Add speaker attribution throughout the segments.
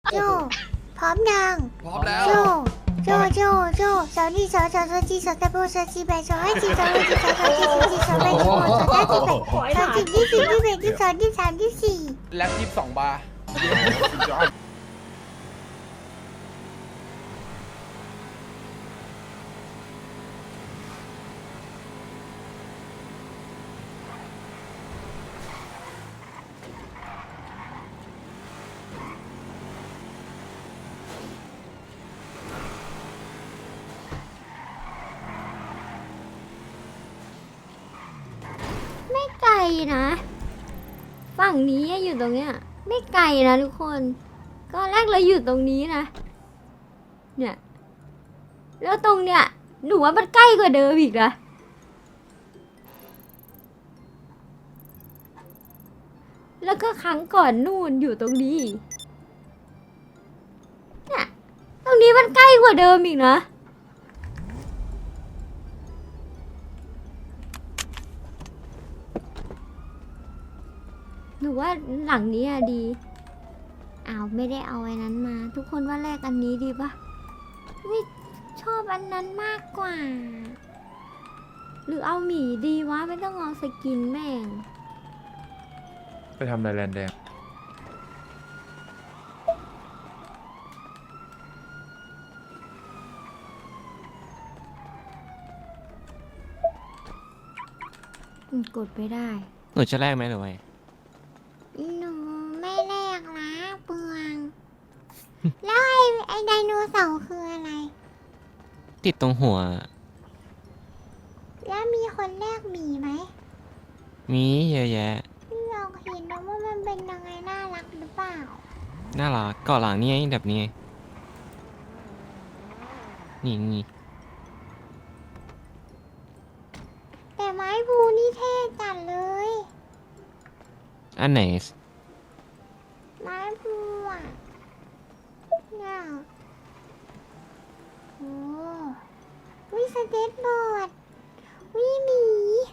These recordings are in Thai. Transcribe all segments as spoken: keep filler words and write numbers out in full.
Speaker 1: โจพร้อมยัง
Speaker 2: พร้อมแล้ว
Speaker 1: โจโจโจโจสาวนี่สาวสาวสาวจีสาวตะโบสาวจีแบสาวให้จีสาวให้จีสาวสาวจีสาวจีสาวแบสาวสาวจีแบสาวจีที่สี่ที่แบที่สองที่สามที่สี่
Speaker 2: แล็บยี่สิบสองบาร์
Speaker 3: ไม่ไกลนะ ฝั่งนี้อยู่ตรงเนี้ยไม่ไกลนะทุกคน ก็แรกเราอยู่ตรงนี้นะ เนี่ย แล้วตรงเนี้ยหนูว่ามันใกล้กว่าเดิมอีกนะ แล้วก็ครั้งก่อนนู่นอยู่ตรงนี้ เนี่ย ตรงนี้มันใกล้กว่าเดิมอีกนะ หนูว่าหลังนี้อะดีอ้าวไม่ได้เอาไอ้นั้นมา ทุกคนว่าแรกอันนี้ดีปะไม่ชอบอันนั้นมากกว่า หรือเอาหมีดีวะไม่ต้องเอาสกินแม่ง
Speaker 4: ไปทำอะไรแลนแดง
Speaker 3: อืมกดไปได้
Speaker 5: หนูจะแลกไหมหรือไง
Speaker 1: หนูไม่แลกนะเปลือง แล้วไอ้ไอ้ไดโนเสาร์คืออะไร
Speaker 5: ติดตรงหัว
Speaker 1: แล้วมีคนแลกหมีไหม
Speaker 5: มีเยอะแยะ
Speaker 1: พี่ลองเห็นนะว่ามันเป็นยังไงน่ารักหรือเปล่า
Speaker 5: น่ารักเกาะหลังนี่ไงแบบนี้ไงนี่นี่
Speaker 1: แต่ไม้บูนี่เท่จัดเลย
Speaker 5: อันไหน
Speaker 1: ไม้บูอ่ะเนี่ยโอ้วิสเก็ตบอร์ดวิหมี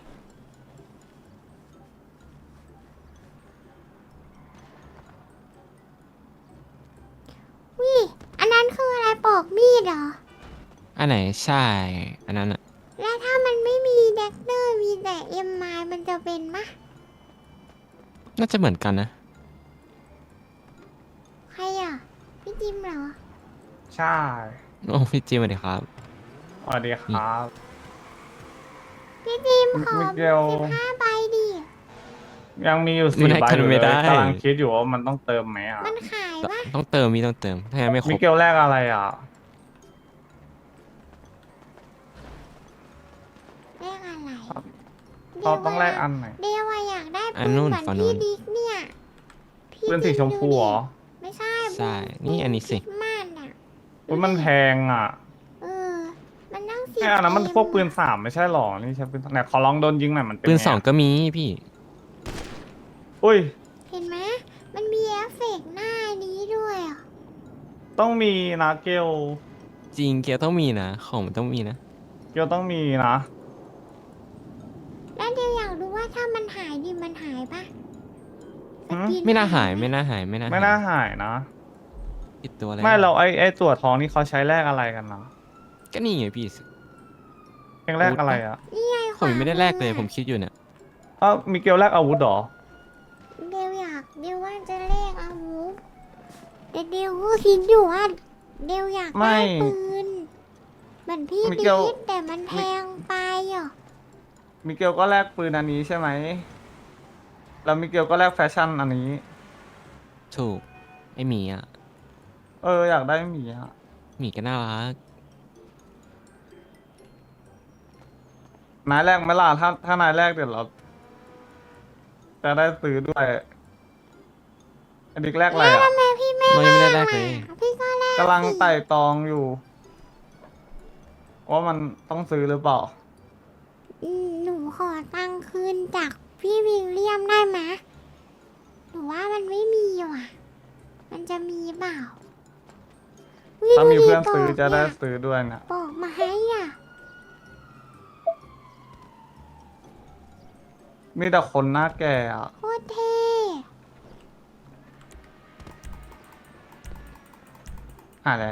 Speaker 1: วิอันนั้นคืออะไรปอกมีดเหรอ
Speaker 5: อันไหนใช่ อันนั้นอะ
Speaker 1: แล้วถ้ามันไม่มีแดกเตอร์มีแต่เอ็มไมมันจะเป็นมะ
Speaker 5: น่าจะเหมือนกันนะ
Speaker 1: ใครอ่ะ พี่จิมเหรอ
Speaker 4: ใช่
Speaker 5: โอ้พี่จิมสวัสดีครับ
Speaker 4: สวัสดีครับ
Speaker 1: พี่จิมขอ
Speaker 4: มิเกล
Speaker 1: สิบห้าใบดิ
Speaker 4: ยังมีอยู่
Speaker 5: มัน
Speaker 4: สี่
Speaker 5: ให้
Speaker 4: ใบ
Speaker 5: กัน
Speaker 4: อยู่
Speaker 5: ไม่
Speaker 4: เล
Speaker 5: ได้
Speaker 4: ยกำลังคิดอยู่ว่ามันต้องเติมไหมอ่ะ
Speaker 1: มันขายปะ
Speaker 5: ต้องเติมมีต้องเติม ถ้างั้นไม่คร
Speaker 4: มิ
Speaker 5: บ
Speaker 4: เกลแรกอะไรอ่ะ
Speaker 1: แลกอะไร
Speaker 4: เราต้องแลกอันไหน
Speaker 1: เดียวอะอยากได้
Speaker 5: อั
Speaker 1: ปื
Speaker 5: น
Speaker 1: น
Speaker 5: นู่น
Speaker 1: เหมือน
Speaker 5: ฝั่งนู้
Speaker 1: พี่
Speaker 5: น
Speaker 1: ดิ๊กเนี่ยพี่
Speaker 4: ปืนสีชมพูเหรอ
Speaker 1: ไม่ใช่
Speaker 5: ใช่นี่อันนี้สิ
Speaker 1: คริสต์มาสอ่ะ
Speaker 4: อุ้ยมันแพงอ่ะ
Speaker 1: เออ มันนั่งสิบ
Speaker 4: ไอ้อันนั้นมัน
Speaker 1: เอ็
Speaker 4: พวกปืนสามไม่ใช่หรอ นี่ใช่ปืนไหนขอลองโดนยิงหน่อยมันเป็น
Speaker 5: ปืน
Speaker 4: ไะ
Speaker 5: สองก็มีพี่
Speaker 4: อุ้ย
Speaker 1: เห็นไหมมันมีเอฟเฟกต์หน้านี้ด้วยอ่ะ
Speaker 4: ต้องมีนะเกล
Speaker 5: จริงเกียร์ต้องมีนะ ของมันต้องมีนะ
Speaker 4: เกลต้องมีนะ
Speaker 1: แล้วเดียวอยากรู้ว่าถ้ามันหายดิมันหายปะสกิ
Speaker 5: ไม่น่าหาย
Speaker 1: ปะ
Speaker 5: ไม่น่าหาย ไม่น่า
Speaker 4: ไม่น่าหายนะ
Speaker 5: ติดตัวอะไร
Speaker 4: ไม่เราไอ้ไอ้ตัวทองนี่เขาใช้แลกอะไรกันนะ
Speaker 5: ก็นี่ไงพี่
Speaker 4: เองแลกอะไรอ่ะ
Speaker 1: นี่ไง
Speaker 5: ผมยังไม่ได้แลกเลย
Speaker 1: ขวา
Speaker 5: ผมคิดอยู่เนี่ย
Speaker 4: อ้าวมิเกลแลกอาวุธเหรอ
Speaker 1: เดียวอยากเดียวว่าจะเลขอาวุธแต่เดียวก็คิดอยู่ว่าเดียวอยาก
Speaker 4: ไม่
Speaker 1: ได้ปืนเหมือนพี่
Speaker 4: มิ
Speaker 1: ดิ
Speaker 4: เกล
Speaker 1: ดแต่มันแพงไปอ่ะ
Speaker 4: มิเกลก็แลกปืนอันนี้ใช่ไหม แล้วมิเกลก็แลกแฟชั่นอันนี้
Speaker 5: ถูก ไอหมีอ่ะ
Speaker 4: เอออยากได้หมีอะ
Speaker 5: หมีก็น่ารัก
Speaker 4: นายแรกไหมล่ะถ้าถ้านายแรกเดี๋ยวเรา จะได้ซื้อด้วยอันดิกแรกอะไร
Speaker 1: แล้ว
Speaker 4: อ่ะ
Speaker 1: ทำไมพี่ไม่
Speaker 5: เรายังไม่ได้แลกเลย
Speaker 1: อ่ะพี่ก็แลก
Speaker 4: กำลัง
Speaker 1: สิ
Speaker 4: ไต่ตองอยู่ ว่ามันต้องซื้อหรือเปล่า
Speaker 1: อืมหนูขอตังค์คืนจากพี่วิลเลียมได้ไหมหนูว่ามันไม่มีว่ะ มันจะมีเปล่าอุ๊ย
Speaker 4: ถ้ามี
Speaker 1: ดูดิ
Speaker 4: เพื่อนซื้อ
Speaker 1: ปก
Speaker 4: จะได้
Speaker 1: เนี่ย
Speaker 4: ซื้อด้วยนะ
Speaker 1: บอกมาให้อ่ะ
Speaker 4: มีแต่คนหน้าแก่อ่ะ
Speaker 1: โคตรเท่
Speaker 4: หาแล้ว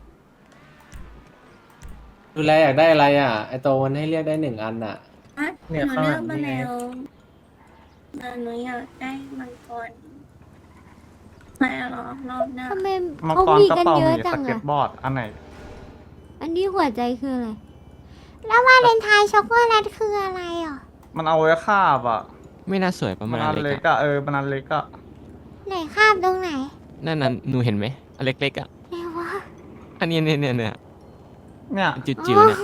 Speaker 2: ดูแลอยากได้อะไรอ่ะ ไอโตมันให้เรียกได้หนึ่งอันอ่ะ
Speaker 6: อ่ะห
Speaker 2: เนี่ย
Speaker 6: นู
Speaker 2: ข้างห
Speaker 6: เลื
Speaker 2: ลั
Speaker 6: อก
Speaker 2: ง
Speaker 6: มา
Speaker 2: นี่ไง
Speaker 6: แล้วแต่หนูอยากได้มังกรไม่หรอกรอบหน้า
Speaker 3: ทำไม
Speaker 4: มัง
Speaker 3: เขา
Speaker 4: กร
Speaker 3: มี
Speaker 4: กระ
Speaker 3: กัน
Speaker 4: เป๋า
Speaker 3: เย
Speaker 4: ห
Speaker 3: อะ
Speaker 4: มี
Speaker 3: จั
Speaker 4: ส
Speaker 3: ง
Speaker 4: เก็ต
Speaker 3: อะ
Speaker 4: บอร์ดอันไหน
Speaker 3: อันนี้หัวใจคืออะไร
Speaker 1: แล้ววาเลนไทน์ช็อกโกแลตคืออะไรอ่ะ
Speaker 4: มันเอาไว้คาบอ่ะ
Speaker 5: ไม่น่าสวยประ
Speaker 4: มั
Speaker 5: มาณ
Speaker 4: นอัน
Speaker 5: เล็
Speaker 4: เล็
Speaker 5: ก
Speaker 4: ก
Speaker 5: อะ
Speaker 4: อะเออมันอันเล็กอะ
Speaker 1: ไหนคาบตรงไหน
Speaker 5: นั่นน่ะหนูเห็นไหมอันเล็กๆอะ
Speaker 1: ไหนวะ
Speaker 5: อันนี้เนี่ยเนี่ยเนี่ย
Speaker 4: เนี่ย
Speaker 5: จิ๋วๆเนี่ย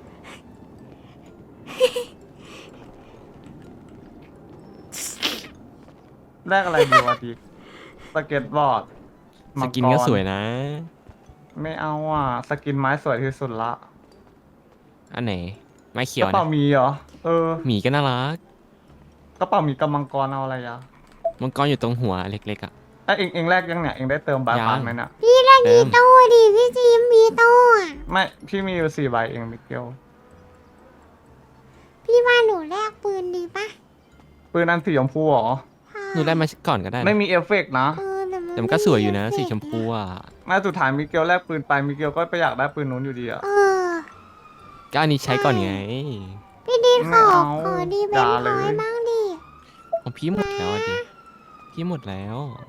Speaker 4: แรกอะไรดีวะทีสเก็ตบอร์ด
Speaker 5: ส
Speaker 4: มัง
Speaker 5: กินก็สวยนะ
Speaker 4: ไม่เอาอ่ะสกินไม้สวยที่สุดละ
Speaker 5: อันไหนไม้เขี
Speaker 4: ก
Speaker 5: ยว
Speaker 4: ระเป๋า
Speaker 5: นะ
Speaker 4: หมีเหรอเออ
Speaker 5: หมีก็น่ารัก
Speaker 4: กระเป๋าหมีกับมังกรเอาอะไรอ่ะ
Speaker 5: มังกรอยู่ตรงหัวเล็กๆอะ
Speaker 4: ไอยเองเองแรกยังเนี่ยเองได้เติมบา
Speaker 5: ยัง
Speaker 4: พาสไหมเนี่ย
Speaker 1: พี่เล่น
Speaker 5: เติ
Speaker 1: มี
Speaker 5: ม
Speaker 1: โต้ดิพี่จีมมีโต้อะ
Speaker 4: ไม่พี่มีอยู่สี่ใบเองมิเกล
Speaker 1: พี่ว่าหนูแลกปืนดีปะ
Speaker 4: ปืนอันสีชมพูเหรอ
Speaker 5: หนูได้มาก่อนก็ได้นะ
Speaker 4: ไม่มีเอฟเฟกต์นะ
Speaker 1: เออแต่มัน
Speaker 5: แต่มันก็สวยอยู่นะ
Speaker 1: ไ
Speaker 5: สีชมพูอะ
Speaker 4: แม่สุดท้ายมิเกลแลกปืนไปมิเกลก็ไปอยากได้ปืนนู้นอยู่ดีอะ
Speaker 1: เออ
Speaker 5: ก็อันนี้ใช้ก่อนไง
Speaker 1: พี่ดีข
Speaker 4: ไม่
Speaker 1: อ
Speaker 4: เอา
Speaker 1: ขอดีเบ
Speaker 4: อน ย่า
Speaker 1: พ
Speaker 4: เล
Speaker 1: อย ยบ้างดิ
Speaker 5: ของพี่หมดแล้วอะดิพี่หมดแล้ว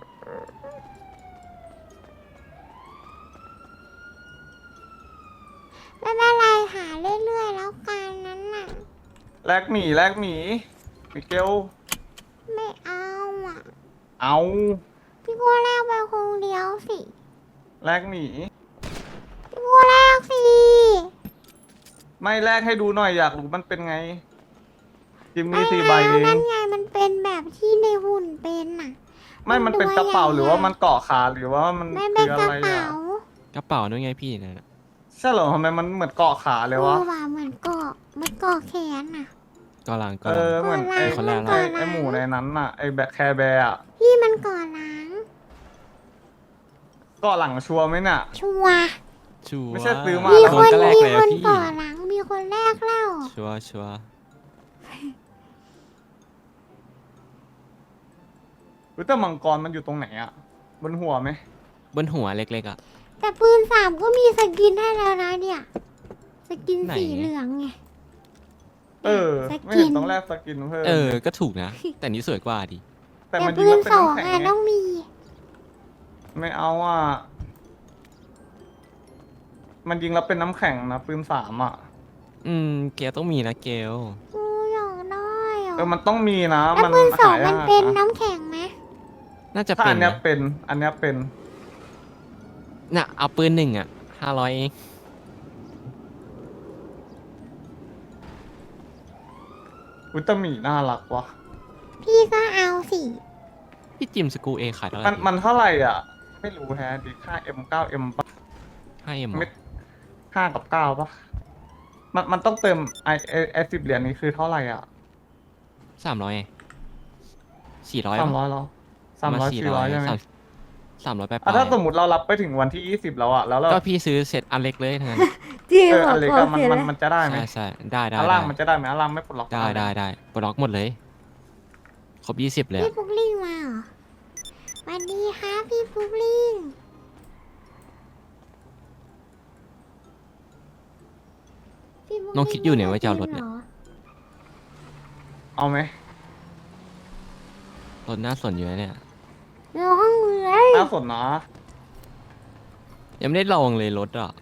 Speaker 1: ไม่เป็นไรหาเรื่อยๆแล้วกันนั้นน่ะ
Speaker 4: แลกหมีแลกหมีมิเกล
Speaker 1: ไม่เอาอ่ะ
Speaker 4: เอา
Speaker 1: พี่กูแลกไปคงเดียวสิ
Speaker 4: แลกหมี
Speaker 1: พี่กูแลกสิ
Speaker 4: ไม่แลกให้ดูหน่อยอยากรู้มันเป็นไง จิมมี
Speaker 1: ไม่
Speaker 4: สี่ใบ
Speaker 1: เอา
Speaker 4: เอง
Speaker 1: นั่นไงมันเป็นแบบที่ในหุ่นเป็นน่ะ
Speaker 4: ไม่มันเป็นกระเป๋าหรือว่ามันเกาะขาหรือว่ามัน
Speaker 1: ไม่เป็
Speaker 4: คื
Speaker 1: น
Speaker 4: อก อะ
Speaker 1: ระ
Speaker 4: ไร
Speaker 1: เป๋า
Speaker 4: อ่ะ
Speaker 5: กระเป๋าด้วยไงพี่นะ
Speaker 4: ใช่เหรอทำไมมันเหมือนเกาะขาเล
Speaker 1: เอ
Speaker 4: ยวะ
Speaker 1: อว่ะเหมือนเกาะเหมือนเกาะแขนน่ะ
Speaker 5: ก็ลังก็
Speaker 4: เอ
Speaker 5: ลัง
Speaker 4: อเหมือนไอ้
Speaker 5: คนละ
Speaker 4: ไอ้ไอ้หมูในนั้นน่ะไอ้แบะแคร์แบร์อะ
Speaker 1: พี่มันเกาะหลัง
Speaker 4: เกาะหลังชัวร์ไหมน่ะ
Speaker 1: ชัวร์
Speaker 5: ชัวร์
Speaker 4: ไม่ใช่ซื้อมา
Speaker 1: มี
Speaker 4: แล้ว
Speaker 1: คน
Speaker 5: ก็แรก
Speaker 1: มี
Speaker 5: เลย
Speaker 1: ค
Speaker 5: อะ
Speaker 1: น
Speaker 5: พี่
Speaker 1: เกาะหลังมีคนแรกแล้ว
Speaker 5: ชัวร์ชัวร์
Speaker 4: รู้แต่มังกรมันอยู่ตรงไหนอะบนหัวไหม
Speaker 5: บนหัวเล็กๆอะ
Speaker 1: แต่ปืนสามก็มีสกินให้แล้วนะเนี่ยสกิน
Speaker 5: ไหน
Speaker 1: สีเหลืองไง
Speaker 4: เออ
Speaker 1: ส
Speaker 4: ไม่
Speaker 1: กิ
Speaker 4: เห็น
Speaker 1: น
Speaker 4: ต้องแลกสกินเพิ่ม
Speaker 5: เออ ก็ถูกนะ แต่นี้สวยกว่าดิ
Speaker 4: แต่
Speaker 1: แต่
Speaker 4: มันยิ
Speaker 1: ปื
Speaker 4: งแล้
Speaker 1: น
Speaker 4: วเป็น
Speaker 1: สอง
Speaker 4: น้ำแข็ง
Speaker 1: อ่ะ
Speaker 4: ไง
Speaker 1: ต้องมี
Speaker 4: ไม่เอาอ่ะมันยิงแล้วเป็นน้ำแข็งนะปืนสามอ่ะ
Speaker 5: อืม เกลต้องมีนะเกล
Speaker 1: กูอยากได้อ่ะ
Speaker 4: เออมันต้องมีนะ
Speaker 1: แล้ว
Speaker 4: มัน
Speaker 1: ปืนสอง
Speaker 4: หายา
Speaker 1: มัน
Speaker 4: ก
Speaker 1: เป็น
Speaker 4: นะ
Speaker 1: น้ำแข็งไหม
Speaker 5: น่าจะ
Speaker 4: ถ้า
Speaker 5: เป็
Speaker 4: อั
Speaker 5: น
Speaker 4: นเนี้ย
Speaker 5: นะ
Speaker 4: เป็น อันเนี้ยเป็น
Speaker 5: น่ะ เอาปืนหนึ่งอะห้าร้อยเอง
Speaker 4: อุลตร้าหมีน่ารักว่ะ
Speaker 1: พี่ก็เอาสิ
Speaker 5: พี่จิมสกูเอขายเท่าไหร่
Speaker 4: มันมันเท่าไหร่อ่ะ ไม่รู้แฮะดิค่า เอ็ม เก้า เอ็ม ปะ
Speaker 5: ให้เอ็ม
Speaker 4: ไม่ห้ากับเก้าปะมันมันต้องเติมไอไอไอสิบเหรียญนี้คือเท่าไหร่อ่ะ
Speaker 5: สามร้อยสี่ร้อย
Speaker 4: สามร้อยเหรอสามร้อยสี่ร้อยใช่ไหม
Speaker 5: สามร้อยแปด
Speaker 4: อ่ะถ้าสมมติเรารับไปถึงวันที่ยี่สิบแล้วอ่ะ แล้วเรา
Speaker 5: ก็พี่ซื้อเสร็จอันเล็กเลยทั้งนั้น
Speaker 3: จริง
Speaker 4: เออ
Speaker 3: เหรอ
Speaker 4: อะไร
Speaker 3: ข
Speaker 4: ก็
Speaker 3: อ
Speaker 4: มัน
Speaker 3: เสีย
Speaker 4: มัน
Speaker 3: เลย
Speaker 4: มันจะได้ไหม
Speaker 5: ใช่ใช่ได้ได้
Speaker 4: อันล่าง
Speaker 5: ได้
Speaker 4: มันจะได้ไหมอันล่างไม่ปลดล็อก
Speaker 5: ได้ได้ได้ปลดล็อกหมดเลย ครบยี่สิบเลย
Speaker 1: พี่
Speaker 5: อะ
Speaker 1: ฟุกลิงมาเหรอสวัสดีค่ะพี่ฟุกลิงพี่ฟุกลิ
Speaker 5: น้องคิดอยู่เนี่ยว่าจะเอารถเนี่ย
Speaker 1: หอ
Speaker 4: เอาไหม
Speaker 5: รถน่าสนอยู่นะเนี่ย
Speaker 1: เราห้องเลย
Speaker 4: น่าสนนะ
Speaker 5: ยังไม่ได้ลองเลยรถอ่ะ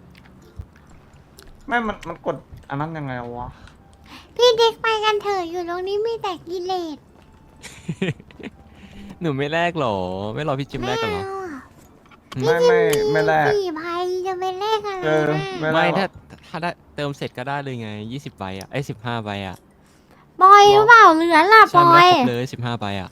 Speaker 4: ไม่มันมันกดอันนั้นยังไงวะ
Speaker 1: พี่เด็กไปกันเถอะอยู่ตรงนี้มีแต่กิเลส
Speaker 5: หนูไม่แลกหรอ ไม่รอพี่จิมแลกกันหรอ
Speaker 1: เอาอะ
Speaker 4: ไม่ไม่ไม่แลก
Speaker 1: สี่พันจะไปแลกอะไร
Speaker 4: เออ
Speaker 1: นะ
Speaker 4: ไม่
Speaker 5: ไม่ถ้าถ้าได้เติมเสร็จก็ได้เลยไงยี่สิบใบอ่ะไอ้สิบห้าใบอ่ะ
Speaker 1: บอยหรือเปล่าเหลือล่ะบ
Speaker 5: ใช่
Speaker 1: อ
Speaker 5: ไม่
Speaker 1: ย
Speaker 5: ได้ครบเลยสิบห้าใบอ่ะ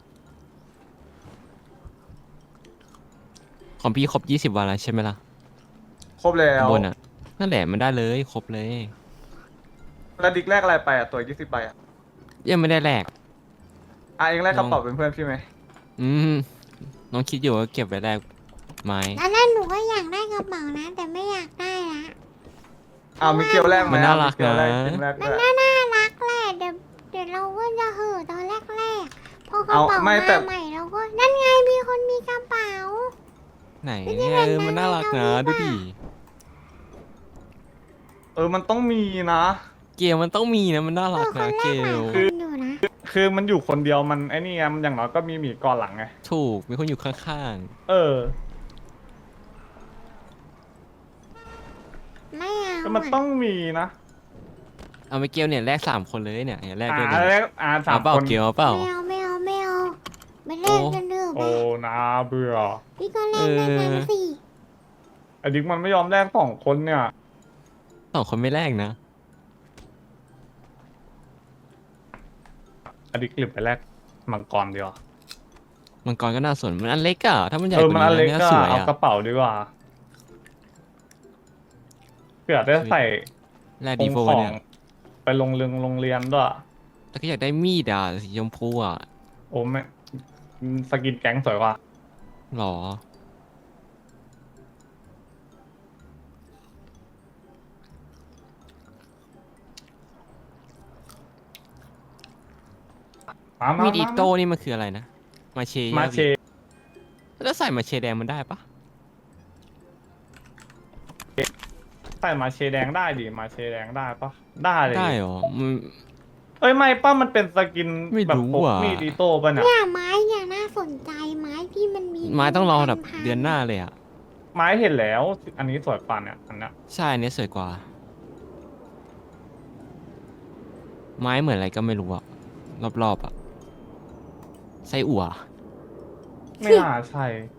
Speaker 5: ของพี่ครบยี่สิบวันแล้วใช่ไหมล่ะ
Speaker 4: ครบแล้ว
Speaker 5: ข้างบนอ่ะ นั่นแหละมันได้เลยครบเลย
Speaker 4: แล้วดิกแรกอะไรไปอ่ะ ตัวยี่สิบใบอ่ะ
Speaker 5: ยังไม่ได้แลก
Speaker 4: อ่ะเองแรกกระเป๋าเป็นเพื่อนพี่ไหม
Speaker 5: อืมน้องคิดอยู่ว่าเก็บไว้แลกไม้
Speaker 1: อันนั้นหนูก็อยากได้กระเป๋านะ แต่ไม่อยากได้ละ
Speaker 4: อ้าวมีเกลียวแรกไหม
Speaker 5: มันน่ารัก
Speaker 4: มีเกลียวแรก
Speaker 5: นะ
Speaker 4: จริงแรก
Speaker 1: มั
Speaker 4: ด้
Speaker 1: น
Speaker 4: วย
Speaker 1: น่าน่ารักแหละเดี๋ยวเดี๋ยวเราก็จะเห่อะตอนแรกๆพอกระ
Speaker 4: เอา
Speaker 1: เป๋า
Speaker 4: ไม่แต่
Speaker 1: มาใหม่เราก็นั่นไงมีคนมีกระเป๋า
Speaker 5: ไหนเนี่ยเออมันน่ารักนะดูดิ
Speaker 4: เออมันต้องมีนะ
Speaker 5: เกลมันต้องมีนะมันน่า
Speaker 1: เอ
Speaker 5: รัก
Speaker 1: อคน
Speaker 5: นะ
Speaker 1: แร
Speaker 5: เก
Speaker 1: กหลาย
Speaker 5: ล
Speaker 1: คนอยู่นะ
Speaker 4: คือมันอยู่คนเดียวมันไอ้นี่ไงมันอย่างน้อยก็มีหมีก่อนหลังไง
Speaker 5: ถูกมีคนอยู่ข้าง
Speaker 4: เออ
Speaker 1: ไม่เอา
Speaker 4: แต่มันต้องมีนะ
Speaker 5: ๆเอาไปเกลเนี่ยแลกสามคนเลยเนี่ยเนี่ยแลก
Speaker 4: อ่า
Speaker 5: ด้วยเนี่ย
Speaker 4: แล้วอ่าสา
Speaker 5: เอา
Speaker 4: ม
Speaker 5: เปล่า
Speaker 4: คน
Speaker 5: เกลเอาเปล่า
Speaker 1: ไม่เอาไม่เอาไม่เอาไม่เล่นกันเถอะไป
Speaker 4: โอ้นาเบื่อ
Speaker 1: พี่ก็เล่นด้วยกันสิ
Speaker 4: ไอ้ดิกมันไม่ยอมแลกสองคนเนี่ย
Speaker 5: สองคนไม่แลกนะ
Speaker 4: ไอ้ดิกหลิบไปแลกมังกรดีกว่า
Speaker 5: มังกรก็น่าสนมันอันเล็กอะถ้ามันใหญ่
Speaker 4: เอก อ
Speaker 5: ว่า
Speaker 4: มันอันเล็ก
Speaker 5: นี้
Speaker 4: ก็
Speaker 5: สวย
Speaker 4: เอา
Speaker 5: อะ
Speaker 4: กระเป๋าดีกว่าเผื่อได้ใส่
Speaker 5: แลก
Speaker 4: ข
Speaker 5: ดี
Speaker 4: อง
Speaker 5: โฟ
Speaker 4: ของ
Speaker 5: เนี่ย
Speaker 4: ไปโรงเรียนโรงเรียนด้วย
Speaker 5: แล้วก็อยากได้มีดอะสีชมพูอะ
Speaker 4: โอ้ไม่สกินแก๊งสวยกว่า
Speaker 5: หรอ
Speaker 4: มามามา
Speaker 5: มีดอิโต้นี่มันคืออะไรนะมาเช
Speaker 4: มาเช
Speaker 5: แล้วใส่มาเชแดงมันได้ปะ
Speaker 4: ใส่มาเชแดงได้ดิมาเชแดงได้ปะได้เลย
Speaker 5: ได้เหรอมัน
Speaker 4: เอ้ยไม่ป้ามันเป็นสกิน
Speaker 5: ไม่
Speaker 4: แบบ
Speaker 5: รู้
Speaker 4: พก
Speaker 5: อ่ะ
Speaker 4: มีดอิโต้ป่ะเนี่ย
Speaker 1: เนี่ยไม้เนี่ยน่าสนใจไม้ที่มันมี
Speaker 5: ไม้ต้องรอแบบ
Speaker 1: พัๆ
Speaker 5: เดือนหน้าเลยอะ
Speaker 4: ไม้เห็นแล้ว อันนี้สวยกว่าเนี่ยอันเนี้ย
Speaker 5: ใช่อันนี้สวยกว่า ไม้เหมือนอะไรก็ไม่รู้อะรอบๆอะไส้อั่ว
Speaker 4: ไม่น่าใช่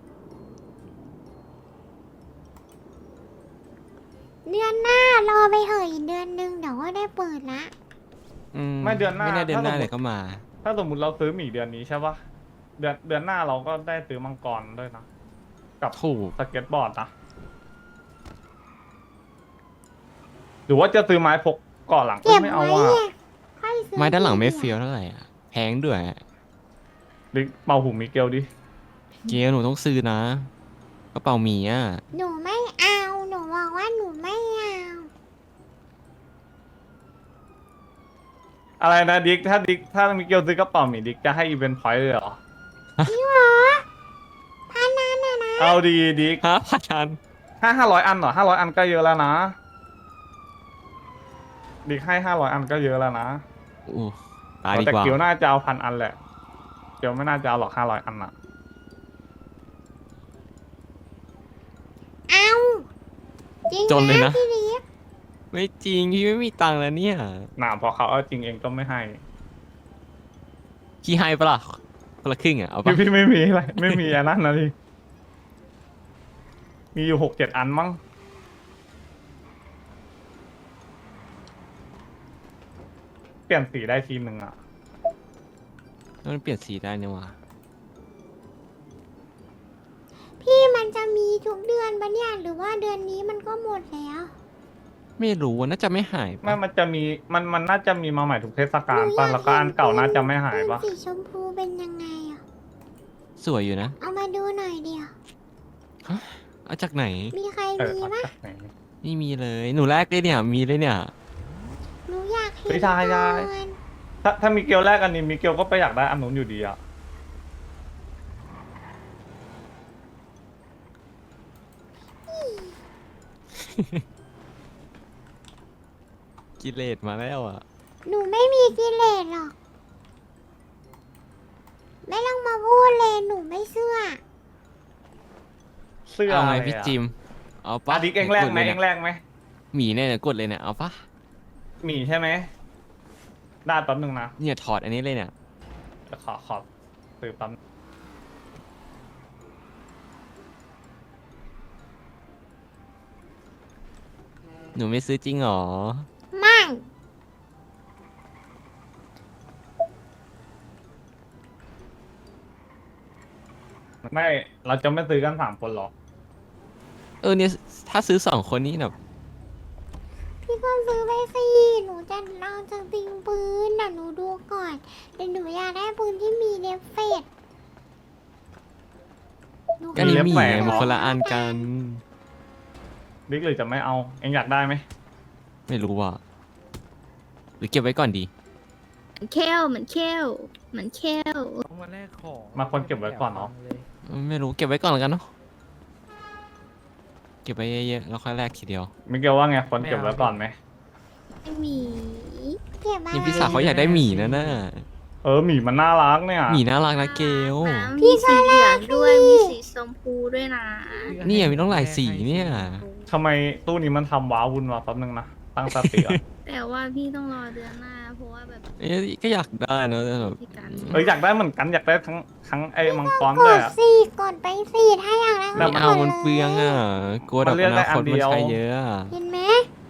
Speaker 1: เดือนหน้ารอไปเหอะอีกเดือนหนึงเดี๋ยวก็ได้เปิดละ
Speaker 5: อื
Speaker 4: ไม่เดือนหน้า
Speaker 5: ไม่น่าเดือนหน้า
Speaker 4: ถ้าสมมุติ
Speaker 5: เลยก็มา
Speaker 4: ถ้าสมมติเราซื้อหมี่เดือนนี้ใช่ปะเดือนเดือนหน้าเราก็ได้ซื้อมังกรด้วยนะ กับ
Speaker 5: ถูก
Speaker 4: สเก็ตบอร์ดนะ หรือว่าจะซื้อไม้พกก่อนหลัง
Speaker 1: เก็บ
Speaker 4: ไม่เอา
Speaker 1: ไว้
Speaker 4: อ่ะ
Speaker 1: เนี่ยค่อยซื้อ
Speaker 5: ไม้ด้านหลังไม่
Speaker 1: ที
Speaker 5: เฟี้ยวเท่าไหร่อะแพงด้วยอะ
Speaker 4: ดิเป่าหูมิเกลดิ
Speaker 5: เกียวหนูต้องซื้อนะกระเป๋าหมีอะ
Speaker 1: หนูไม่เอาหนูบอกว่าหนูไม่เอา
Speaker 4: อะไรนะดิกถ้าดิกถ้ามิเกลซื้อกระเป๋าหมี่ดิกจะให้อีเวนต์พอยต์เลยเหรอ
Speaker 1: พี่หรอพันนั้นน่ะนะ
Speaker 4: เอาดีดิก
Speaker 5: ฮะพัน
Speaker 4: ห้าห้าร้อยอันเหรอห้าร้อยอันก็เยอะแล้วนะ ดิกให้ห้าร้อยอันก็เยอะแล้วนะ
Speaker 5: อู้ตายดี
Speaker 4: แต่
Speaker 5: กว่า
Speaker 4: เกียวน่าจะเอาพันอันแหละ เกียวไม่น่าจะเอาหรอกห้าร้อยอันอะ
Speaker 1: เอาจริง
Speaker 5: จนเลยนะ
Speaker 1: พี่ลิฟ
Speaker 5: ไม่จริงพี่ไม่มีตังค์แล้วเนี่ย
Speaker 4: หนาพอเขาเอาจริงเองก็ไม่ให้
Speaker 5: พี่ให้ปะล่ะคนละครึ่งอะเอาปะ
Speaker 4: พี่พี่ไม่มีอะไร ไม่มีอันนั้นนะพี่มีอยู่หกเจ็ดอันมั้ง เปลี่ยนสีได้ทีหนึ่งอะ
Speaker 5: มันเปลี่ยนสีได้เนี่ยว่ะ
Speaker 1: พี่มันจะมีทุกเดือนปะเนี่ยหรือว่าเดือนนี้มันก็หมดแล้ว
Speaker 5: ไม่รู้อะน่าจะไม่หาย
Speaker 4: ไม่
Speaker 5: ปะ
Speaker 4: มันจะมี มัน มันน่าจะมีมาใหม่ทุกเทศกาลป่ะ แล้วก็อันเก่าน่าจะไม่หายป่ะ
Speaker 1: ปืนสีชมพูเป็นยังไงอ่ะ
Speaker 5: สวยอยู่นะ
Speaker 1: เอามาดูหน่อยเดียว
Speaker 5: เอาจากไหน
Speaker 1: มีใคร
Speaker 4: เออ
Speaker 1: มี
Speaker 4: เอา
Speaker 1: ปะ
Speaker 4: จากไหน
Speaker 5: ไม่มีเลย หนูแรกเลยเนี่ย มีเลยเนี่ย
Speaker 1: หนูอยากเห็น
Speaker 4: เฮ้ยได้ได้
Speaker 1: ก่อน
Speaker 4: ถ้าถ้ามีเกลแรกอันนี้มีเกลก็ไปอยากได้อันนู้นอยู่ดีอะ
Speaker 5: กิเลสมาแล้วอ่ะ
Speaker 1: หนูไม่มีกิเลสหรอก ไม่ต้องมาพูดเลยหนูไม่เชื่อ
Speaker 4: เสื้อ
Speaker 5: เอา
Speaker 4: อะ
Speaker 5: ไหม
Speaker 4: ไร
Speaker 5: พี่
Speaker 4: อะ
Speaker 5: จิม เอาปะ
Speaker 4: อ่ะดิกเองแรกไหม
Speaker 5: ดี๋ยว
Speaker 4: เอก ง
Speaker 5: ดลย
Speaker 4: แร
Speaker 5: นี่ย
Speaker 4: กไหม
Speaker 5: หมีเนี่ยเดี๋ยวกดเลยเนี่ย เอาปะ
Speaker 4: มีใช่ไหมได้แป๊บหนึงนะ
Speaker 5: เนี่ยถอดอันนี้เลยเนี่ย
Speaker 4: เดี๋ยวขอขอซื้อแป๊บนึง
Speaker 5: หนูไม่ซื้อจริงหรอ
Speaker 1: ไม่
Speaker 4: ไม่ เราจะไม่ซื้อกันสามคนหรอก
Speaker 5: เออเนี่ย ถ้าซื้อสองคนนี้แบบ
Speaker 1: พี่ก็ซื้อไปสิหนูจะลองจะติงปืนเดี๋ยวหนูดูก่อนแต่หนูอยากได้ปืนที่มีเดฟเฟกต์ห
Speaker 5: ก็นี่หมี
Speaker 4: เล็บแหว
Speaker 5: ไง
Speaker 4: กเหรอ
Speaker 5: มันคนละอันกัน
Speaker 4: ดิกหรือจะไม่เอา เองอยากได้ไหม
Speaker 5: ไม่รู้อ่ะ หรือเก็บไว้ก่อนดี
Speaker 6: เคลเหมือนเคลเหมือนเคล
Speaker 7: ต้องมาแลกของ
Speaker 4: มาคนเก็บไว้ก่อนเนาะ
Speaker 5: ไม่รู้เก็บไว้ก่อนแล้วกันเนาะเก็บไปเยอะๆแล้วค่อยแลกทีเดียว
Speaker 4: มิเกลว่าไงคนเก็บไว้ก่อนไหม
Speaker 6: ไม่มี
Speaker 1: เก็บอะไร
Speaker 5: นี่พี่สาวเขาอยากได้หมีนะน่ะ
Speaker 4: เออหมีมันน่ารักเนี่ย
Speaker 5: หมีน่ารักนะเกล
Speaker 6: นะมีสีเหลืองด้วยมีสีชมพูด้วยนะ
Speaker 5: นี่มีต้องหลายสีเนี่ย
Speaker 4: ทำไมตู้นี้มันทำว้าวุ่นวะแป๊บนึงนะตั้งสติก่อน
Speaker 6: แต่ว่าพี่ต้องรอเดือนหน้า เพราะว่าแบบ
Speaker 5: เอ๊ะก็อยากได้นะแต่แบบ
Speaker 6: ที่การ
Speaker 4: เอออยากได้เหมือนกันอยากได้ทั้งทั้งไอ้มังกร
Speaker 1: ก
Speaker 4: ด้วย
Speaker 1: ด
Speaker 4: อะ
Speaker 1: สี่กดไปสี่ถ้าอยากได้
Speaker 4: แล้
Speaker 5: ไม่
Speaker 4: ว
Speaker 5: เอามันเปลืองอ่ะกลัว
Speaker 4: มั
Speaker 5: แบ
Speaker 4: น
Speaker 5: บ
Speaker 4: เลือก
Speaker 5: อ
Speaker 4: ได้
Speaker 5: นา
Speaker 4: อั
Speaker 5: คน ต
Speaker 4: เดี
Speaker 5: มัน
Speaker 4: ยว
Speaker 5: ใช้เยอะอะ
Speaker 1: เห็นไหม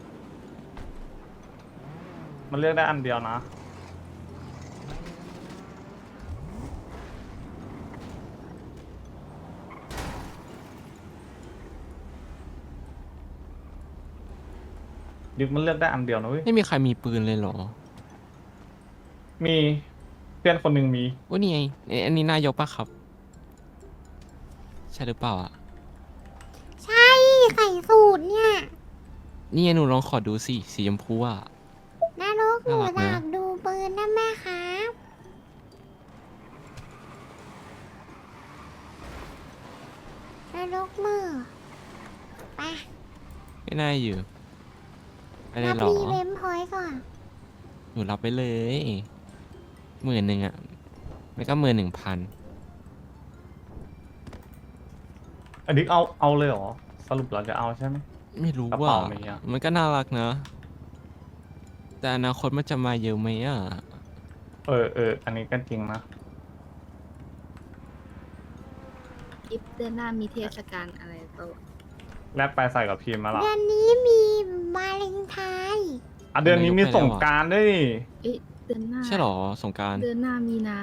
Speaker 4: มันเลือกได้อันเดียวนะดิกมันเลือกได้อันเดียวนะเว้ย
Speaker 5: ไม่มีใครมีปืนเลยเหรอ
Speaker 4: มีเพื่อนคนหนึ่งมี
Speaker 5: ว่านี่ไงเอ๊ะอันนี้นายกปะครับ ใช่หรือเปล่าอ่ะ
Speaker 1: ใช่ใส่สูตรเนี่ย
Speaker 5: นี่ไงหนูลองขอดูสิสีชมพูอ่ะ
Speaker 1: นรกหนู
Speaker 5: น่ารัก
Speaker 1: อ
Speaker 5: นะ
Speaker 1: ยากดูปืนได้ไหมครับนรกมือไป
Speaker 5: ไม่น่าอยู่ไปเล
Speaker 1: รั
Speaker 5: ย
Speaker 1: บ
Speaker 5: เหรอ
Speaker 1: รีเวมพอยต์ก่อน
Speaker 5: หนูรับไปเลยหมื่นหนึ่งอ่ะไม่ก็หมื่นหนึ่งพัน
Speaker 4: อันนี้เอาเอาเลยเหรอสรุปเราจะเอาใช่ไหม
Speaker 5: ไม่รู้
Speaker 4: กระ
Speaker 5: ว่า
Speaker 4: เป๋ามีอะ
Speaker 5: มันก็น่ารักนะ แต่อนาคตมันจะมาเยอะไหมอ่ะ
Speaker 4: เออเอออันนี้ก็จริงนะ
Speaker 6: อิฟเดือนหน้ามีเทศกาลอะไรโตะ
Speaker 4: แลกไปใส่กับพีมมาหรอ
Speaker 1: เดือนนี้มีวาเลนไทน์
Speaker 4: อ่ะเดือนนี้มีส่งกรารด้วยนี่
Speaker 6: เอ๊ะเดือนหน้า
Speaker 5: ใช่เหรอสงกราร
Speaker 6: เดือนหน้ามีนา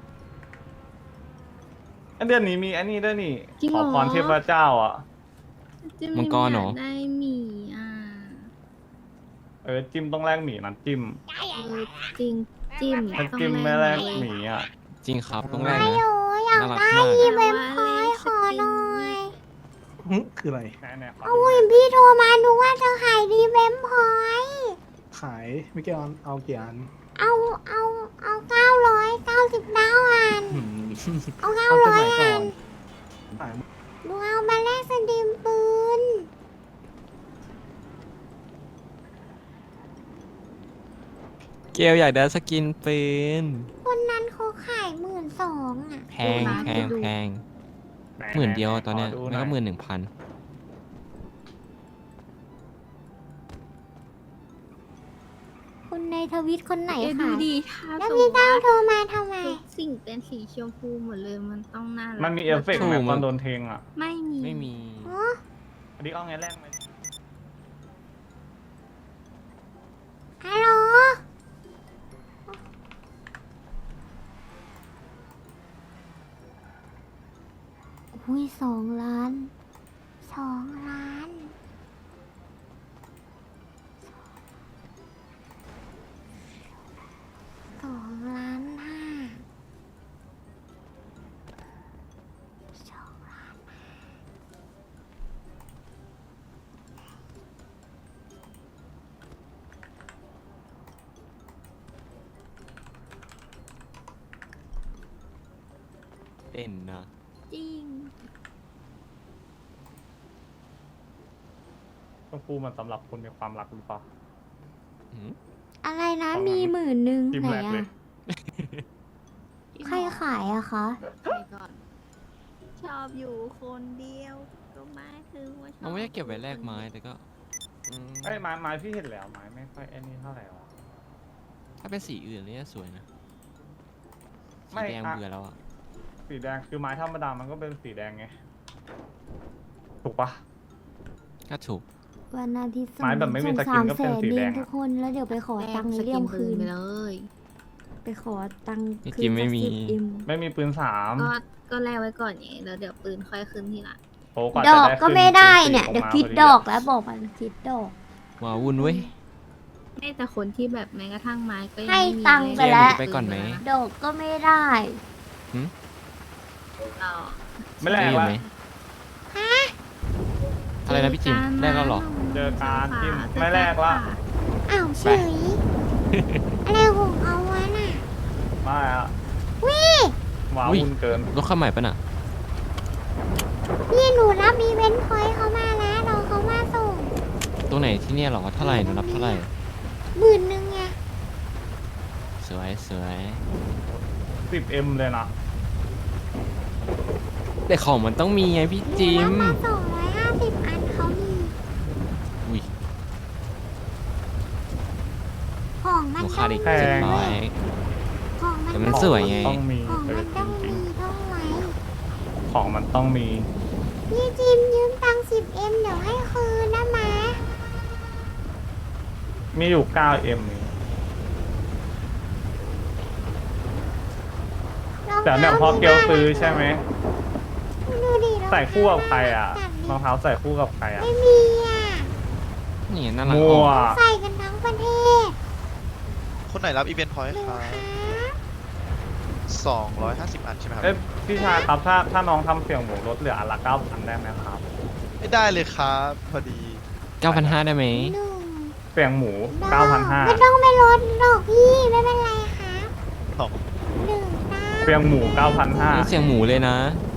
Speaker 4: อ่ะเดือนนี้มีอันนี้ด้วยนี่
Speaker 6: จริง
Speaker 4: ข
Speaker 6: เหร
Speaker 4: อ
Speaker 6: อ
Speaker 4: พรเทพเจ้าอ่ะ
Speaker 6: จะ
Speaker 5: มังกรเหรอ
Speaker 6: ยาได้หมีอ่ะ
Speaker 4: เออจิ้มต้องแลกหมีนะจิ้ม
Speaker 6: เออจริงจิ้ม
Speaker 4: ถ้า
Speaker 6: ต้อง
Speaker 4: จิ้ม
Speaker 6: แล
Speaker 4: ไม่แลก
Speaker 6: ห
Speaker 4: หมีอ่ะ
Speaker 5: จริงครับต้องแรก
Speaker 1: ไอ
Speaker 5: นะ
Speaker 1: โออยาก
Speaker 5: น่ารัก
Speaker 1: ได้
Speaker 5: มาก
Speaker 1: รีเวมพอยต์ขอหน่อย
Speaker 7: หึคืออะไร
Speaker 4: แน่ๆขอ
Speaker 1: เอา
Speaker 4: ดู
Speaker 1: เห็นพี่โทรมาดูว่าจะขายรีเวมพอยต์
Speaker 7: ขายไม่เกี่ยวเอากี่อัน
Speaker 1: เอาเอาเอาเก้าร้อยเก้าสิบเก้าอัน
Speaker 7: หืม
Speaker 1: เอาเก้า
Speaker 7: เอา
Speaker 1: ร้อย
Speaker 7: สมัยก่
Speaker 1: อั
Speaker 7: อน
Speaker 1: น
Speaker 7: ขาย
Speaker 1: ดูเอามาแลกสตรีมปืน
Speaker 5: เกลอยากได้สกินปืน
Speaker 1: คนนั้นเขาขายหมื่นสองอ่ะ
Speaker 5: แพงแพงแพงหมื่นเดียวอะตอนเนี้ย
Speaker 4: ขดู
Speaker 5: แล้วก็หมื่นหนึ่งพัน
Speaker 1: คนในทวิตคนไหน
Speaker 6: เอ๊ะดู
Speaker 1: ขาย
Speaker 6: ดีถ้า
Speaker 1: แล้ว
Speaker 6: สมม
Speaker 1: พี่
Speaker 6: ติ
Speaker 1: เต้า
Speaker 6: ว่า
Speaker 1: โทรมาทำไม
Speaker 6: ทุกสิ่งเป็นสีชมพูหมดเลยมันต้องน่ารัก
Speaker 4: มันมีเอฟเฟกต์ไหมตอนโดนเทงอ่ะ
Speaker 6: ไม่มี
Speaker 5: ไม่มี
Speaker 1: อ๋อ
Speaker 4: อันนี้เอาไงแลกไหม
Speaker 1: ฮัลโหลอุ้ยสองล้าน สองล้าน สองล้านห้าสองล้าน
Speaker 5: เด่นนะ
Speaker 6: จริง
Speaker 4: ชมพูมันสำหรับคนมีความรักหรือเปล่า
Speaker 5: หืม
Speaker 1: อะไรนะ
Speaker 4: สองล้าน
Speaker 1: มีหมื่นหนึ่ง
Speaker 4: จิ้ม
Speaker 1: ไหน
Speaker 4: แรกเลย
Speaker 1: อะใครขายอะคะ
Speaker 6: ไปก่อน ชอบอยู่คนเดียว ก็ไม่คือว่าชอบ
Speaker 5: เราไม่ได้เก็บไว้แลกไม้แต่ก็อืม
Speaker 4: ไอ้ยไม้ไม้พี่เห็นแล้วไม้ไม่ค่อยไอ้นี่เท่าไหร่หรอ
Speaker 5: ถ้าเป็นสีอื่นเนี่ยสวยนะ
Speaker 4: ไม่
Speaker 5: สีแดง
Speaker 4: อะ
Speaker 5: เบื่อแล้วอ่ะ
Speaker 4: สีแดงคือไม้ธรรมดามันก็เป็นสีแดงไงถูกปะ
Speaker 5: ก็ถูก
Speaker 1: วันอาทิตย์ส่ง
Speaker 4: ไม้แบบไม่มี
Speaker 1: ส่ง
Speaker 4: สกิน
Speaker 1: สาม
Speaker 4: ก็
Speaker 1: แส
Speaker 4: เป็น
Speaker 1: น
Speaker 4: สี
Speaker 1: เอ
Speaker 4: แด
Speaker 1: ง
Speaker 4: งอะ
Speaker 1: ทุกคนแล้วเดี๋ยวไปขอ
Speaker 6: แลก
Speaker 1: ตังค์
Speaker 6: ส
Speaker 1: เลี่ยม
Speaker 6: ปื
Speaker 1: คืน
Speaker 6: ไปเลย
Speaker 1: ไปขอตังค์
Speaker 5: นี่
Speaker 1: คื
Speaker 5: จิ
Speaker 1: น
Speaker 5: มไม่มี
Speaker 1: สักสิบเอ็ม
Speaker 4: ไม่มีปืนสาม
Speaker 6: ก็ก็แลกไว้ก่อนไงแล้วเดี๋ยวปืนค่อยขึ้นทีหลัง
Speaker 4: โอ้ว่า
Speaker 1: ด
Speaker 4: จะ
Speaker 1: อก
Speaker 4: ได้
Speaker 1: ก็
Speaker 4: ขึ้น
Speaker 1: ไม่ได้
Speaker 4: ปืสี่
Speaker 1: เนี่ย
Speaker 4: ออก
Speaker 1: เดี๋ยว
Speaker 4: มา
Speaker 1: คิด
Speaker 4: พ
Speaker 1: ด
Speaker 4: อ
Speaker 1: อกแล้วบอกมันคิดดอก
Speaker 5: ว้าวุ่นเว้ย
Speaker 6: ไม่แต่คนที่แบบแม้กระทั่งไม้ก็ยัง
Speaker 1: ให้
Speaker 6: ไม่มี
Speaker 1: ตังค์
Speaker 6: เย
Speaker 1: ไปแล้ว
Speaker 5: ไปก่อนไหม
Speaker 1: ดอกก็ไม่ได้
Speaker 6: ต่อ
Speaker 4: ไม่แลก
Speaker 5: อยู่
Speaker 4: ละ
Speaker 5: ไหมอะไรนะพี่จิมแลกแล้วเหรอ
Speaker 4: เจอการจิ้มไม่แลกละ
Speaker 1: อ้าวเฉย อะไรของเขาวะน่ะ
Speaker 4: ไม่อะ
Speaker 1: วิ
Speaker 4: ว้า
Speaker 5: อุ๊ย
Speaker 4: วุ่นเกิน
Speaker 5: รถเข้าใหม่ปะน่ะ
Speaker 1: พี่หนูรับอีเวนต์พอยต์เขามาแล้วรอ
Speaker 5: ตรงไหนที่เนี่ยเหรอเท่าไหร่หนูรับเท่าไหร่
Speaker 1: หมื่นหนึ่งไง
Speaker 5: สวยสวย
Speaker 4: สิบเอ็มเลยนะ
Speaker 5: แต่ของมันต้องมีไงพี่จิ
Speaker 1: แล้ว
Speaker 5: ม
Speaker 1: มาสองร้อยห้าสิบอันเขามี
Speaker 5: อุ้ย
Speaker 1: ของ
Speaker 5: ห
Speaker 1: มัน
Speaker 5: นู
Speaker 1: ต้
Speaker 5: ขา
Speaker 1: อ
Speaker 5: ด
Speaker 1: ง
Speaker 5: อีก
Speaker 1: มี
Speaker 5: เจ็ดร้อย
Speaker 1: ของมัน
Speaker 5: แต่มัน
Speaker 1: ต้อง
Speaker 5: สวยไง
Speaker 4: ต้องมี
Speaker 1: ของ
Speaker 4: เอ
Speaker 1: มั
Speaker 4: อน จ
Speaker 1: ต้อง
Speaker 4: ริง
Speaker 1: มีเท่าไหร่
Speaker 4: ๆของมันต้องมี
Speaker 1: พี่จิมยืมตังค์สิบเอ็มเดี๋ยวให้คืนนะมา
Speaker 4: มีอยู่เก้าเอ็มนี่
Speaker 1: รอง
Speaker 4: แต่เนี่ย
Speaker 1: ท้า
Speaker 4: พอเกลซื้อใช่ไหม
Speaker 1: ดูดิรองเท้า
Speaker 4: ใส่คู่กับใครอ่ะ
Speaker 1: จัดดิ
Speaker 4: รองเท้าใส่คู่กับใครอ่ะ
Speaker 1: ไม่มีอ่ะ
Speaker 5: นี่น่ารัก
Speaker 4: มั่
Speaker 5: อ
Speaker 4: ว
Speaker 5: อก
Speaker 1: ใส่กันทั้งประเทศ
Speaker 8: คนไหนรับอีเวนต์พอยต์
Speaker 1: หนึ่ง
Speaker 8: ครับ
Speaker 1: ค่ะ
Speaker 8: สองร้อยห้าสิบอันใช่ไหมครับ
Speaker 4: เอ้ยพี่ชายครับถ้าถ้าน้องทำเสียงหมูลดเหลืออันละเก้าพันได้ไหมครับ
Speaker 8: ไม่ได้เลยครับ พอดี
Speaker 5: เก้าพันห้าได้ไหม
Speaker 1: หนึ่ง
Speaker 4: เสียงหมูเก้าพันห้า
Speaker 1: ไม่ต้องไปลดหรอกพี่ไม่เป็นไรครับ
Speaker 8: ของ
Speaker 1: หนึ่งตา
Speaker 4: เสียงหมูเก้าพันห้า
Speaker 5: นี่เสียงหมูเลยนะ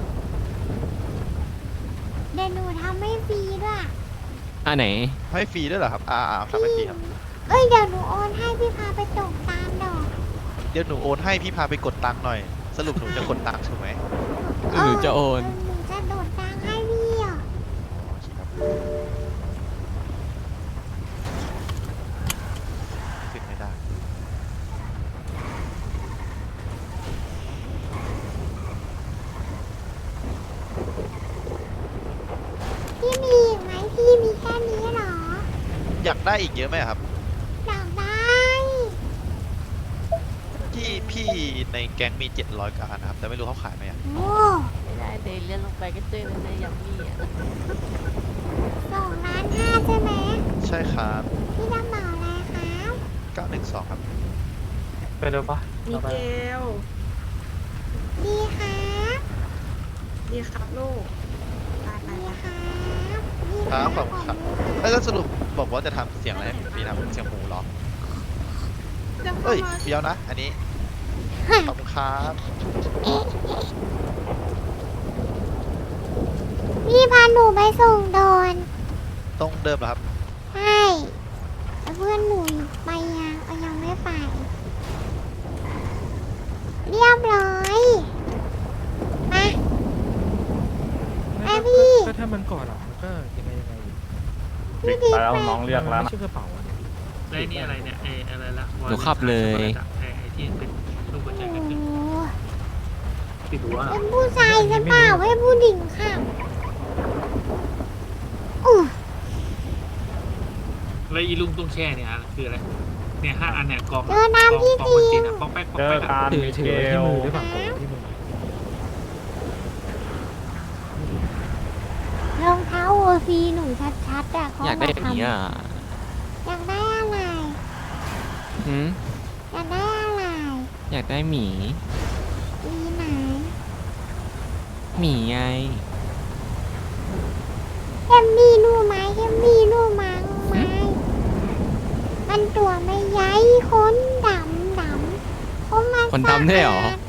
Speaker 1: เดี๋ยวหนูทำให้ฟรีด้วย
Speaker 5: อ่ะไหน
Speaker 8: ให้ฟรีด้วยเหรอครับ อ่าอ่าทำให้ฟรีครับ
Speaker 1: เอ้ยเดี๋ยวหนูโอนให้พี่พาไปตกตามดอก
Speaker 8: เดี๋ยวหนูโอนให้พี่พาไปกดตังค์หน่อย สรุปหนูจะกดตังค์ถูกไหม
Speaker 5: หนูจะโอน
Speaker 1: หนูจะโดดตังค์ให้พี่อ่ะ
Speaker 8: โอเคครับขึ้นไม่ได้
Speaker 1: พี่มีอีกไหมพี่มีแค่นี้เหรอ
Speaker 8: อยากได้อีกเยอะไหมครับ
Speaker 1: อยากได้
Speaker 8: ที่พี่ในแก๊งมีเจ็ดร้อยกว่าอันนะครับ แต่ไม่รู้เขาขายไหมอ่ะ
Speaker 1: โอ้
Speaker 9: ไม่ได้เดนเลื่อนลงไปก็เจอเลยในยัมมี่อ่ะ
Speaker 1: สองล้านห้าใช่ไหม
Speaker 8: ใช่ครับ
Speaker 1: พี่จะเหมาอะไรครับ
Speaker 8: เก้าหนึ่งสองครับ
Speaker 4: ไปเร็วปะ
Speaker 9: มิเกล
Speaker 1: ดีครับ
Speaker 9: ดีครับลูกไปไป
Speaker 1: ดี
Speaker 9: ไป
Speaker 1: ครับดี
Speaker 8: ครับขอบคุณครับ แล้วก็สรุปบอกว่าจะทำเสียงอะไรให้พี่ทำเสียงหมูเหรอ เอ้ยเดี๋ยวนะ อันนี้ ขอบคุณครับ
Speaker 1: พี่พาหนูไปส่งโดน
Speaker 8: ตรงเดิมเหรอครับ
Speaker 1: ใช่แล้วเพื่อนหนูไปยังเอายังไม่ไป เรียบร้อยมา ไอพี่
Speaker 7: ก็ถ้ามันก่อนอ่ะมันก็ยังไงยังไงอยู่
Speaker 4: ปิดไปแล้วน้องเรียกแล้ว
Speaker 7: ไม่
Speaker 4: นะ
Speaker 7: ใช่กระเป๋าอะดิ
Speaker 10: แล้วไอ้นี่อะไรเนี่ยไอ้อะไรละ
Speaker 5: หนูขับเลย
Speaker 10: ไอ้ไอ้ที่เป็นรูปหัวใจ
Speaker 1: โอ้
Speaker 10: กันขึ้นติดหัวเหรอ
Speaker 1: เป็นผู้ชายหรือเปล่าให้ผู้หญิงค่ะอู้
Speaker 10: แล้วอีลุงตุ้งแช่เนี่ยคืออะไรเนี่ยห้าอันเนี่ยกอง
Speaker 1: เจอน้ำพี่
Speaker 10: กอง
Speaker 1: จี
Speaker 10: บนตีน
Speaker 1: น
Speaker 10: อ่ะปองแป๊กปอง
Speaker 4: เจอ
Speaker 10: แป๊กอะ
Speaker 4: การ
Speaker 7: ถือ
Speaker 4: มิ
Speaker 7: ถื
Speaker 4: เก
Speaker 7: อที่
Speaker 4: ล
Speaker 7: มือได้ป่ะที่มือ
Speaker 1: รองเท้าโอซีหนูชัดๆอ่ะเขา
Speaker 5: อยากได้แบบนี้อ่ะ
Speaker 1: อยากได้อะไร
Speaker 5: หืม
Speaker 1: อยากได้อะไร
Speaker 5: อยากได้หมี
Speaker 1: มีไหน
Speaker 5: หมีไง
Speaker 1: เอ็มมีนูไหมเอ็มมีนูมังไหมมันตัวไม่ใหญ่ขนดำดำเพราะมัน
Speaker 5: ขนดำด้วยเหรอ
Speaker 1: สะอา